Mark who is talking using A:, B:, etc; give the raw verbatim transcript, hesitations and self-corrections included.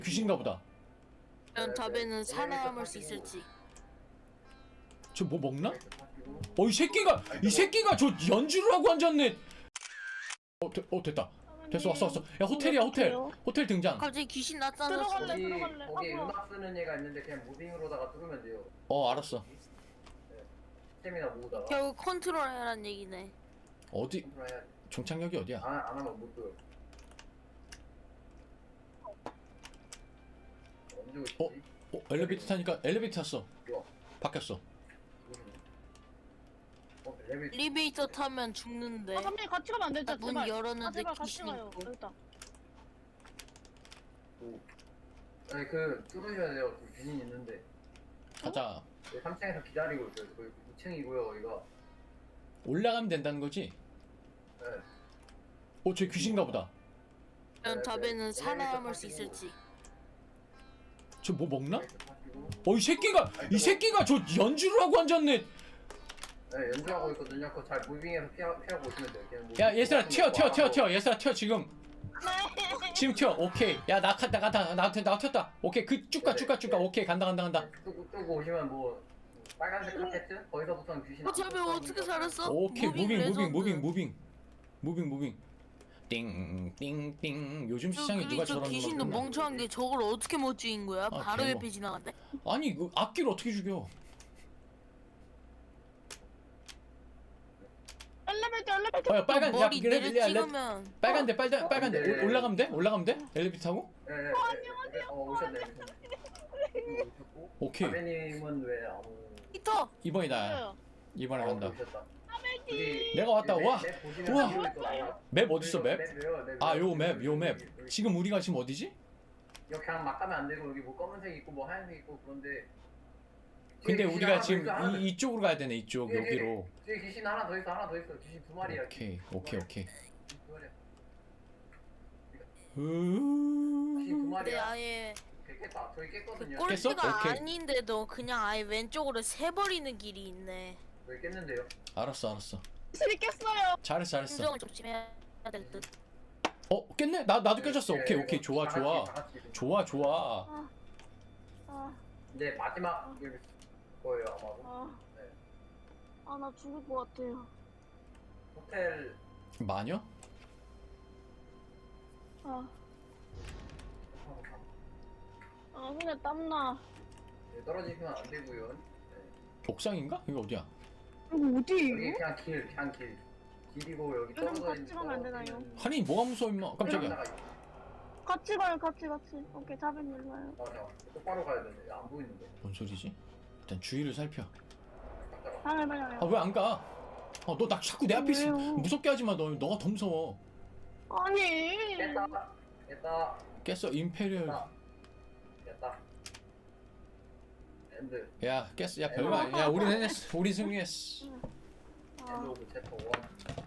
A: 귀신가 보다.
B: 과연 답에는 살아남을 수 있을지.
A: 저 뭐 먹나? 어, 이 새끼가 이 새끼가 저 연주를 하고 앉았네. 어, 되, 어 됐다. 됐어, 왔어 왔어. 야, 호텔이야, 호텔. 호텔 등장.
B: 갑자기 귀신 나타났어.
C: 들어갈래?
D: 거기,
C: 들어갈래?
D: 거기
C: 앞으로.
D: 음악 쓰는 애가 있는데 그냥 무빙으로다가 뚫으면 돼요.
A: 어, 알았어.
D: 스태미나 모으다가
B: 결국 컨트롤해란 얘기네.
A: 어디?
D: 컨트롤 해야 돼.
A: 종착역이 어디야?
D: 안, 안 하면 못 뚫어. 언제 오시지?
A: 어? 어, 엘리베이터 타니까 엘리베이터 탔어.
D: 좋아.
A: 바뀌었어.
D: 어, 엘리베이터.
B: 엘리베이터 타면 죽는데.
C: 아, 선배님 같이 가면 안 되죠?
B: 아, 문
C: 제발.
B: 열었는데
C: 아, 제발 같이
B: 귀신이
C: 가요.
B: 있고.
C: 여기 있다.
D: 오. 아니 그 뚫으셔야 돼요. 그 귀신 있는데.
A: 가자.
D: 삼 층에서 기다리고 있어요. 거기 이 층이고요. 거기가.
A: 올라가면 된다는 거지?
D: 네.
A: 어, 저 귀신가 보다.
B: 과연 답에는 살아남을 수 있을지.
A: 저 뭐 먹나?
D: 엘리베이터 타시고.
A: 어, 이 새끼가 이 새끼가 저 연주를 하고 앉았네.
D: 네, 연주하고 있거든요. 그거 잘 무빙해서 피하, 피하고 오시면 돼요. 그냥 뭐
A: 야, 얘들아 튀어 튀어 튀어
D: 하고.
A: 튀어. 얘들아 튀어 지금. 지금 튀어. 오케이. 야, 나 갔다 갔다 나한테 나 튀었다. 오케이. 그 쭉가 쭉가 쭉가. 오케이. 간다 간다 간다.
D: 끄고, 끄고 오시면 뭐 빨간색 카페트? 거기서부터는 귀신
B: 어, 저배 어떻게 살았어?
A: 오케이. 무빙 무빙
B: 레전드.
A: 무빙 무빙. 무빙 무빙. 띵띵띵. 요즘
B: 저,
A: 시장에
B: 그리고
A: 누가
B: 저
A: 저런
B: 귀신도
A: 음악을
B: 멍청한 게 저걸 어떻게 못 죽인 거야?
A: 아,
B: 바로
A: 대박.
B: 옆에 지나간대.
A: 아니, 그 악기를 어떻게 죽여?
C: 엘리베이터, 엘리베이터.
A: 어, 야, 빨간 야,
B: 머리
A: 그래,
B: 내려
A: 야, 야,
B: 찍으면
A: 빨간데 빨간 빨간데
D: 네.
A: 올- 올라가면 돼? 올라가면 돼? 엘리베이터 타고?
D: 네, 네, 네, 네. 어, 오셨네. 오셨네. 오셨고.
A: 오케이.
D: 아베님은 왜 아무
B: 히터.
A: 이번이 나야.
C: 있어요.
A: 이번에
D: 어,
A: 간다.
D: 오셨다.
A: 내가 왔다.
D: 맵,
A: 와.
D: 맵 보시면
A: 우와.
D: 비밀 있거든요.
A: 맵 어딨어, 맵?
D: 맵이요, 맵.
A: 아, 요 맵, 요 맵.
D: 여기, 여기.
A: 지금 우리가 지금 어디지?
D: 여기 그냥 막 가면 안 되고 여기 뭐 검은색 있고 뭐 하얀색 있고 그런데
A: 근데
D: 뒤에 귀신
A: 우리가
D: 하나 더
A: 지금
D: 있어, 하나 더
A: 이, 이쪽으로 가야 되네. 이쪽
D: 뒤에, 뒤에,
A: 여기로.
D: 뒤에 귀신 하나 더 있어 하나 더 있어 귀신 두 마리야.
A: 오케이,
D: 귀신 두
A: 오케이,
D: 마리야.
A: 오케이.
D: 귀신 두 마리야.
A: 으...
D: 귀신 두
B: 근데
D: 마리야.
B: 아예
D: 오케이, 깼다. 저기 깼거든요.
A: 깼어?
B: 꼴찌가
A: 오케이.
B: 아닌데도 그냥 아예 왼쪽으로 새버리는 길이 있네.
D: 저기 깼는데요.
A: 알았어, 알았어.
C: 실이 깼어요.
A: 잘했어, 잘했어.
B: 감정을 조심해야 될 듯.
A: 어, 깼네? 나 나도 깨졌어.
D: 네,
A: 오케이,
D: 이거
A: 오케이. 좋아,
D: 다 같이,
A: 좋아.
D: 다 같이 좀.
A: 좋아, 좋아.
C: 아, 아,
D: 이제 마지막 일 거예요 아마도.
C: 아.
D: 네.
C: 아, 나 죽을 것 같아요.
D: 호텔
A: 마녀?
C: 아, 아, 손에 땀나.
D: 네, 떨어지시면 안 되고요. 네.
A: 옥상인가? 이거 어디야?
C: 이거
D: 여기
C: 어디예요?
D: 그냥 길, 그냥 길. 길이고 여기
C: 여러분
D: 떨어져
C: 같이
D: 있는
C: 가면 안 되나요?
D: 떨어지는
A: 아니, 뭐가 무서워 임마. 깜짝이야.
D: 베란다가 있어.
C: 같이 가요, 같이, 같이. 오케이, 자빈 일로 와요.
D: 맞아. 똑바로 가야 되는데 안 보이는데.
A: 뭔 소리지? 일단 주위를 살펴.
D: 깜짝아.
C: 방을 봐요.
A: 아, 왜 안 가? 아, 너 나 자꾸 내 앞에 있어.
C: 왜요?
A: 무섭게 하지 마. 너 너가 더 무서워.
C: 아니.
D: 깼다. 깼다.
A: 깼어. 임페리얼.
D: 깼다. 깼다. 엔드.
A: 야, 깼어. 야, 별거 아니야. 야, 우리 해냈어. 우리 승리했어.
C: 아.
D: 엔드 오브 챕터 원.